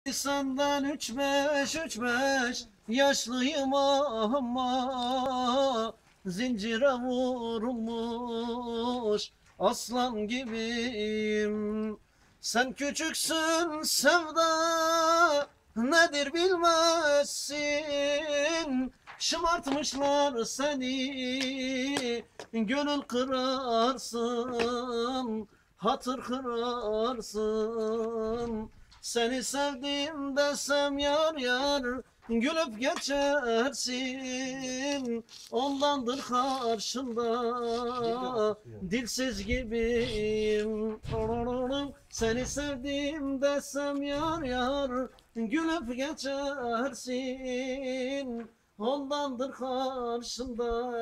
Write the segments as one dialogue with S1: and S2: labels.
S1: Senden üç beş yaşlıyım ama zincire vurulmuş aslan gibiyim. Sen küçüksün sevda nedir bilmezsin. Şımartmışlar seni, gönül kırarsın, hatır kırarsın. Seni sevdim desem yar yar, gülüp geçersin. Ondandır karşında dilsiz gibiyim. Seni sevdim desem yar yar, gülüp geçersin. Ondandır karşında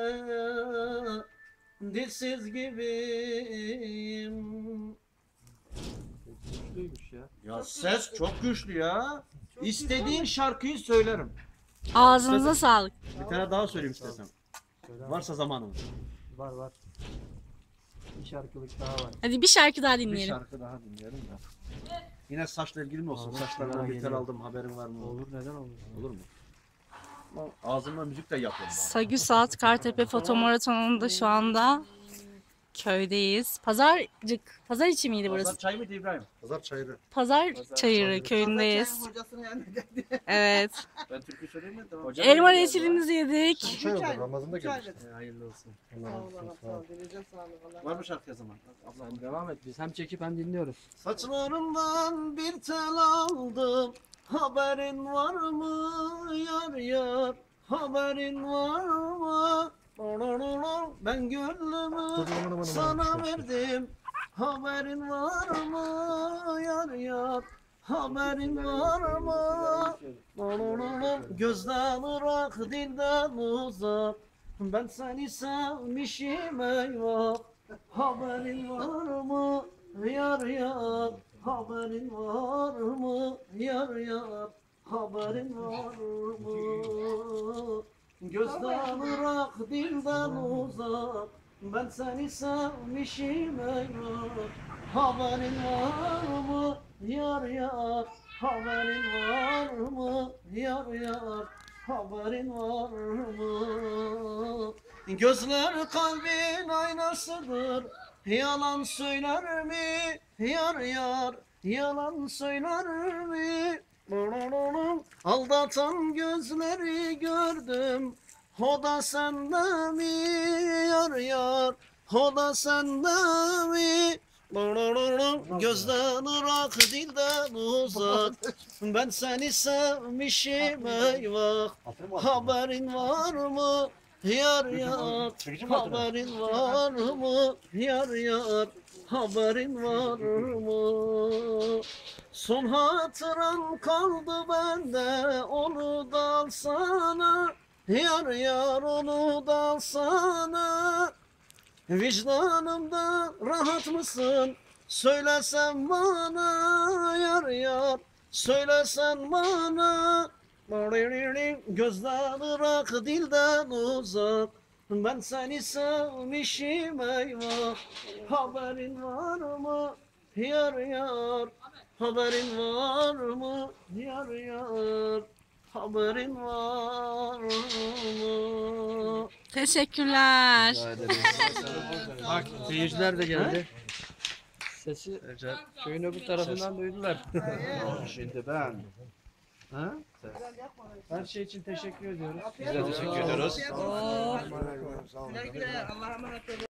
S1: dilsiz gibiyim.
S2: Güçlüymüş ya.
S1: Ya ses çok güçlü ya. İstediğin şarkıyı söylerim.
S3: Ağzınıza sağlık.
S1: Bir tane daha söyleyeyim istesem.
S2: Söyle.
S1: Varsa zamanımız.
S2: Var. Bir şarkılık daha var.
S3: Hadi bir şarkı daha
S1: Bir
S3: dinleyelim.
S1: şarkı daha dinleyelim de. Yine saçla ilgili mi olsun?
S2: Olur,
S1: Saçlarımdan bir tel
S2: geliyor.
S1: aldım, haberin var mı?
S2: Olur, neden olmasın?
S1: Olur mu? Ağzımla müzik de yapıyorum.
S3: Sagü Saat Kartepe Foto Maratonu'nda şu anda köydeyiz. Pazar içi miydi
S1: Pazar
S3: burası?
S1: çay mıydı İbrahim? Pazar çayırı.
S3: Pazar Çayırı köyündeyiz. Evet.
S1: Ben türkü söyleyeyim mi? Tamam.
S3: Elma reçelimizi yedik.
S4: Şey oldu, Ramazan'da gelmiş.
S1: Hayırlı olsun.
S4: Allah
S1: Var mı şarkı zaman?
S2: Sen devam et. Biz hem çekip hem dinliyoruz.
S1: Saçlarımdan bir tel aldım. Haberin var mı yar yar? Haberin var mı? Ben gönlümü sana verdim. Haberin var mı yar yar? Haberin var mı? Gözden ırak, dilden uzak. Ben seni sevmişim eyvah. Haberin var mı yar yar? Haberin var mı yar yar? Haberin var mı? Gözden ırak, dilden uzak. Ben seni sevmişim eyvah. Haberin var mı yar yar? Haberin var mı yar yar? Haberin var mı? Gözler kalbin aynasıdır. Yalan söyler mi yar yar? Yalan söyler mi? Aldatan gözleri gördüm. O da sende mi yar yar? O da sende mi? Gözden ırak, dilden uzak. Ben seni sevmişim eyvah. Haberin var mı yar yar? Haberin var mı yar yar? Haberin var mı? Son hatıran kaldı bende, onu da alsana. Yar yar, onu da alsana. Vicdanımda rahat mısın? Söylesen bana yar yar. Söylesen bana. Gözden ırak, dilden uzak. Ben seni sevmişim eyvah. Haberin var mı yar yar? Haberin var mı yar yar? Haberin var mı?
S3: Teşekkürler.
S2: Bak seyirciler de geldi. Sesi köyün öbür tarafından duydular.
S1: Şimdi ben.
S2: Ha? Her şey için teşekkür ediyoruz.
S1: Biz de teşekkür ediyoruz.
S3: Oo.
S4: Sağ olun.
S5: Güle güle. Allah'a emanet olun.